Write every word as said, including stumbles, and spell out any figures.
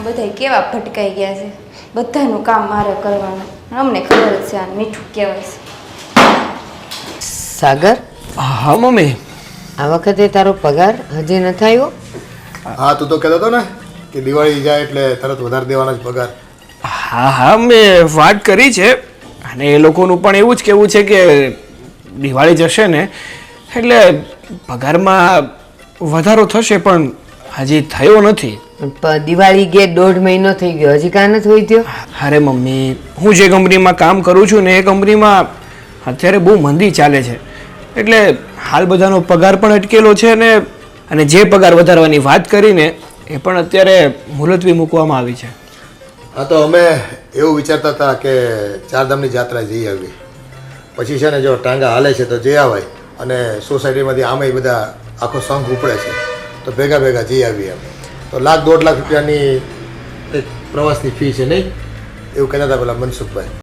બધા કેવા ભટકાઈ ગયા છે, બધાનું કામ મારે કરવાનું. અમને ખબર જ છે આ મીઠું કહેવાય છે. સાગર, હા મમ્મી. આ વખતે તારો પગાર હજી નથી આવ્યો? હા, તું તો કહેતો હતો ને કે દિવાળી જાય એટલે તરત વધારે દેવાનો જ પગાર. હા હા મેં વાત કરી છે અને એ લોકોનું પણ એવું જ કહેવું છે કે દિવાળી જશે ને એટલે પગારમાં વધારો થશે, પણ હજી થયો નથી. પ- દિવાળી ગે દોઢ મહિનો થઈ ગયો, હજી કાં નથી હોય થયો? અરે મમ્મી, હું જે કંપનીમાં કામ કરું છું ને એ કંપનીમાં અત્યારે બહુ મંદી ચાલે છે, એટલે હાલ બધાનો પગાર પણ અટકેલો છે ને અને જે પગાર વધારવાની વાત કરીને એ પણ અત્યારે મુલતવી મૂકવામાં આવી છે. હા, તો અમે એવું વિચારતા હતા કે ચારધામની જાત્રા જઈ આવી, પછી છે ને જો ટાંગા હાલે છે તો જઈ આવાય, અને સોસાયટીમાંથી આમે બધા આખો સંઘ ઉપડે છે તો ભેગા ભેગા જઈ આવીએ અમે. તો લાખ દોઢ લાખ રૂપિયાની એક પ્રવાસની ફી છે નહીં, એવું કહેતા હતા પેલા મનસુખભાઈ.